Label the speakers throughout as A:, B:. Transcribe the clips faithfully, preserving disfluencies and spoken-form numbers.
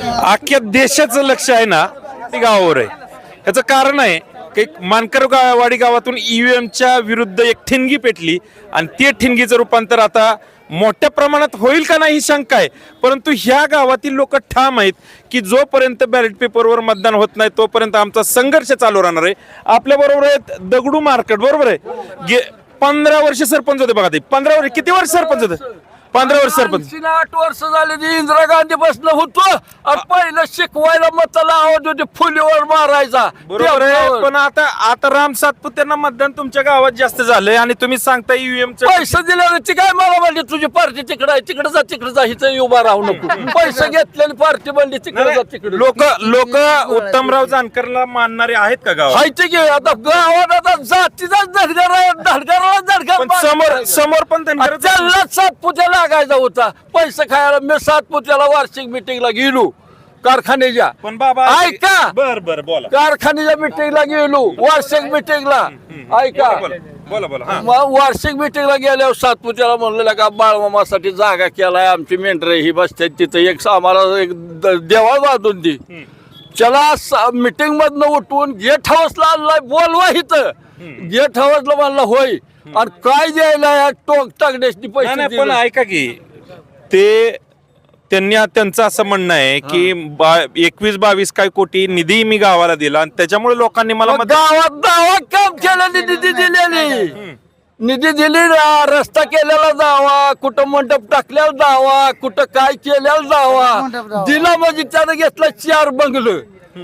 A: अख्ख्या देशाचं लक्ष आहे ना ते गावावर आहे. ह्याचं कारण आहे की मानकरवाडी गावातून ईव्हीएमच्या विरुद्ध एक ठिणगी पेटली आणि ते ठिणगीचं रूपांतर आता मोठ्या प्रमाणात होईल का नाही ही शंका आहे. परंतु ह्या गावातील लोक ठाम आहेत की जोपर्यंत बॅलेट पेपरवर मतदान होत नाही तोपर्यंत आमचा संघर्ष चालू राहणार आहे. आपल्या बरोबर आहेत दगडू मार्केट, बरोबर आहे. पंधरा वर्ष सरपंच होते बघा ते. पंधरा वर्ष किती वर्ष सरपंच होते? पंधरा वर्ष सरपंच.
B: आठ वर्ष झाले ते इंदिरा गांधी बसलं होतो आणि पहिलं शिकवायला मताला आवाज होते फुलीवर मारायचा.
A: बरोबर आहे. पण आता आता राम सातपुत्यांना मतदान तुमच्या गावात जास्त झालंय आणि तुम्ही सांगता ईव्हीएम
B: पैसे दिल्याची काय मला म्हणली तुझी पार्टी तिकडे आहे, तिकडे जा तिकडे जा, इथं उभा राहू नको. पैसे घेतले पार्टी म्हणली तिकडे जा तिकडे.
A: लोक लोक उत्तमराव जानकरला मानणारे आहेत का गावात?
B: माहिती घे आता गावात आता जातीचाच धडगार आहे, धडगाराला धडगार.
A: पण समोर समोर पण धनगर
B: त्यांना सातपुत्याला लागायचा होता पैसे खायला. मी सातपुत्याला वार्षिक मिटिंगला गेलो कारखान्याच्या.
A: पण बाबा
B: ऐका,
A: बर बर बोला.
B: कारखान्याच्या मिटिंगला गेलो वार्षिक मिटिंगला. ऐका,
A: बोला बोला. हा.
B: मग वार्षिक मिटिंगला गेल्यावर सातपुत्याला म्हणलेलं का बाळमामासाठी जागा केलाय, आमची मेंढरे ही बसते तिथं, एक आम्हाला एक द- देवाळ बांधून दे. चला मिटिंग मधनं उठवून गेट हाऊसला आणलाय, बोलवा इथं. गेट हाऊसला म्हणलं होय, आणि काय द्यायला टोक टाकण्याची
A: नाही,
B: पैसे
A: नाही, पण
B: दिले.
A: ऐका की ते त्यांनी त्यांचं असं म्हणणं आहे की बा- एकवीस बावीस काय कोटी निधी मी गावाला दिला आणि त्याच्यामुळे लोकांनी मला
B: मग
A: मत-
B: गावात गावात काम केलेली निधी दिलेली, निधी दिली ना, रस्ता केलेला जावा, कुठं मंडप टाकल्यावर जावा, कुठं काय केल्यावर जावा. दिला म्हणजे त्यानं घेतला चार बंगलं.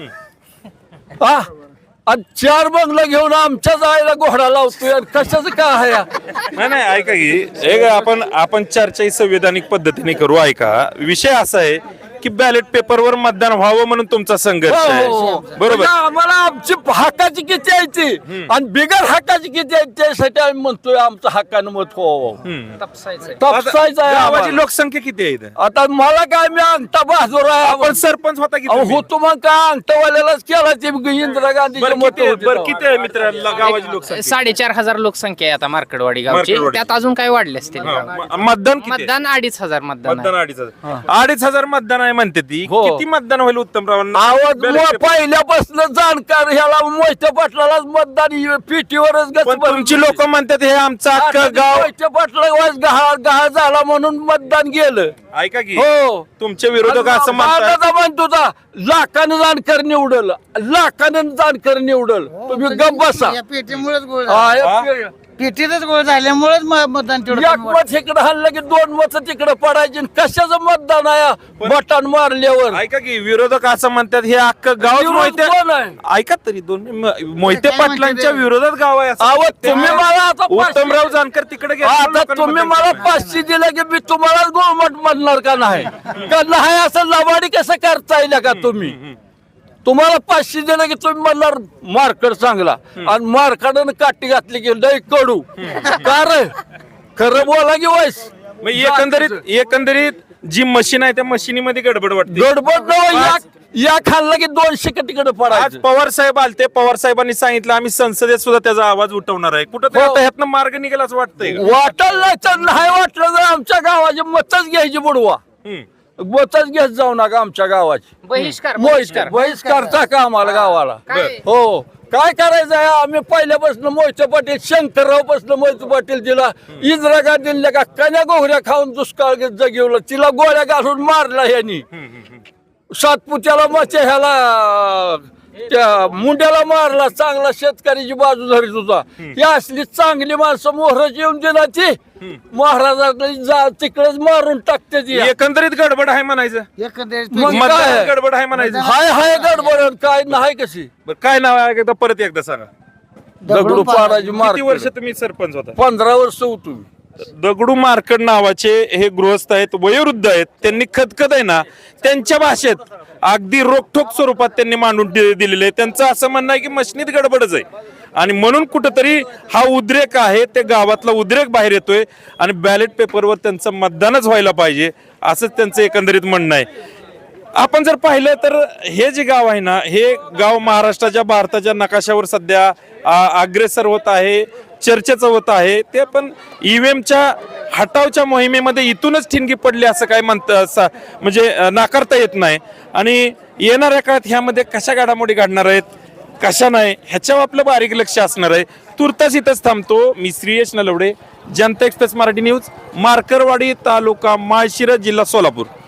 B: हा, आणि चार बंगला घेऊन आमच्या जायला घोडा लावतोय. आणि कशाचं काय आहे?
A: नाही नाही ऐका की एक आपण आपण चर्चा ही संविधानिक पद्धतीने करू. ऐका, विषय असा आहे की बॅलेट पेपरवर मतदान व्हावं म्हणून तुमचा संघर्ष आहे, बरोबर?
B: म्हणजे आम्हाला आमची हक्काची किती आहे ती आणि बिगर हक्काची किती आहे त्यासाठी आम्ही म्हणतोय आमचं हक्कानं मत व्हावं. तपसायचं आहे
A: गावाची
B: आम्हाला.
A: लोकसंख्या किती आहे इथं?
B: आता मला काय, मी अंगठा बहादूर आहे.
A: आपण सरपंच होता की
B: अहो,
A: तुम्ही?
B: होतो मग काय अंगठावाल्यालाच केला ते इंदिरा गांधीचे
A: बरं
B: मत
A: किती-
B: होते
A: बरं
B: तेव्हा.
A: किती आहे मित्र गावाची लोकसंख्या?
C: साडेचार हजार लोकसंख्या आहे आता मार्कडवाडी गावची.
A: मार्कडवाडी.
C: त्यात अजून काय वाढले असतील
A: हा, म- मतदान किती आहे?
C: मतदान अडीच हजार मतदान आहे.
A: मतदान अडीच हजार अडीच हजार मतदान आहे म्हणते ती.
B: हो.
A: किती मतदान होईल उत्तमरावांना?
B: आवाज
A: बॅलेट
B: मो-
A: पेपर-
B: पहिल्यापासून जाणकार ह्याला मोहिते पाटलालाच मतदान पेटीवरच गच
A: पण तुमची लोक म्हणतात हे आमचं अख्खं गाव.
B: मोहिते पाटला गहा गहा झाला म्हणून मतदान गेलं.
A: ऐका की
B: हो,
A: तुमचे विरोधक असं म्हणतात
B: दादा म्हणतो ता, लाखानं जाणकार निवडल, लाखानं जाणकार निवडल, तुम्ही गप बसा.
D: या पेटीमुळेच गोळ
B: हा,
D: झाला.
B: या-
D: पेटीतच गोळ झाल्यामुळेच म- मतदान तेवढं
B: एक
D: कमी
B: मत इकडे हल्लं की दोन मत तिकडे पडायची. आणि कशाचं मतदान आहे बटन मारल्यावर?
A: ऐका की विरोधक असं म्हणतात हे अख्खं गाव
B: विरोध
A: मोहिते
B: कोण आहे?
A: ऐका तरी दोन म- मोहिते
D: काय म्हणते
A: पाटलांच्या
D: ते?
A: विरोधात गाव आहे असं.
B: अहो, तुम्ही मला आता
A: उत्तमराव
B: पाचशे-
A: जानकर तिकडे गेले,
B: आता
A: लोकांनी
B: तुम्ही
A: मतदान
B: मला
A: केलं.
B: पाचशे दिलं की मी तुम्हाला गोमट म्हणणार का नाही? का नाही असं लबाडी कसं करता येईल का तुम्ही? तुम्हाला पाचशे दिलं की तुम्ही म्हणणार मार्कड चांगला, आणि मार्काडानं काठी घातली की लय कडू. का रे? खरं बोला की वयस.
A: मग एकंदरीत एकंदरीत जी मशीन आहे त्या मशीनीमध्ये गडबड वाटते.
B: गडबड न या या खाल्ला की दोनशे का तिकडे
A: आज
B: पडायचं.
A: पवार साहेब आलते, पवार साहेबांनी सांगितलं आम्ही संसदेत सुद्धा त्याचा आवाज उठवणार आहे. कुठं
B: हो.
A: आता ह्यातनं मार्ग निघेल असं वाटतंय का?
B: वाटल नाही तर नाही वाटलं तर आमच्या गावाची मतच घ्यायची बुडवा.
A: हम्म.
B: मतच घेत जाऊ नका आमच्या गावाची.
C: बहिष्कार
B: बहिष्कार बहिष्कारचा का आम्हाला गावाला?
C: काय?
B: हो, काय करायचं आहे? आम्ही पहिल्यापासून मोहिते पाटील, शंकरराव पासून मोहिते पाटील दिला, इंदिरा गांधीला का कन्या गोहऱ्या खाऊन दुष्काळ जगिवलं, तिला गोळ्या घालून मारला ह्यांनी. सातपुत्याला मचे ह्याला त्या मुंड्याला मारला, चांगला शेतकऱ्याची बाजू धरीत होता. ही असली चांगली माणसं मोहराची येऊन दिला ती महाराजांना तिकडेच मारून टाकते ती.
A: एकंदरीत गडबड आहे म्हणायचं.
D: एकंदरीत
B: मग
D: पेटी-
A: मतदानात
B: काय?
A: गडबड आहे म्हणायचं.
B: हाय हाय गडबड, काय नाही कशी.
A: बरं, काय नाव आहे एकदा परत एकदा सांगा.
B: दगडू पाडायची
A: किती
B: मार.
A: वर्ष तुम्ही सरपंच होता?
B: पंधरा वर्ष होतो.
A: दगडू मार्कड नावाचे हे गृहस्थ आहेत, वयोवृद्ध आहेत. त्यांनी खदखद आहे ना त्यांच्या भाषेत अगदी रोखठोक स्वरूपात त्यांनी मांडून दि- दिलेले आहे. त्यांचं असं म्हणणं आहे की मशनीत गडबडच आहे आणि म्हणून कुठंतरी हा उद्रेक आहे ते गावातला उद्रेक बाहेर येतोय आणि बॅलेट पेपरवर त्यांचं मतदानच व्हायला पाहिजे असंच त्यांचं एकंदरीत म्हणणं आहे. आपण जर पाहिलं तर हे जे गाव आहे ना हे गाव महाराष्ट्राच्या भारताच्या नकाशावर सध्या आ- अग्रेसर होत आहे. चर्चेचं होत आहे ते पण ईव्हीएमच्या हटावच्या मोहिमेमध्ये इथूनच ठिणगी पडली असं काय म्हणतं असं म्हणजे अं, नाकारता येत नाही. आणि येणाऱ्या काळात ह्यामध्ये कशा घडामोडी घडणार आहेत कशा नाही ह्याच्यावर आपलं बारीक लक्ष असणार आहे. तुर्तास इथंच थांबतो. मी श्रीयश नलवडे, जनता एक्सप्रेस मराठी न्यूज, मार्करवाडी तालुका माळशिरस जिल्हा सोलापूर.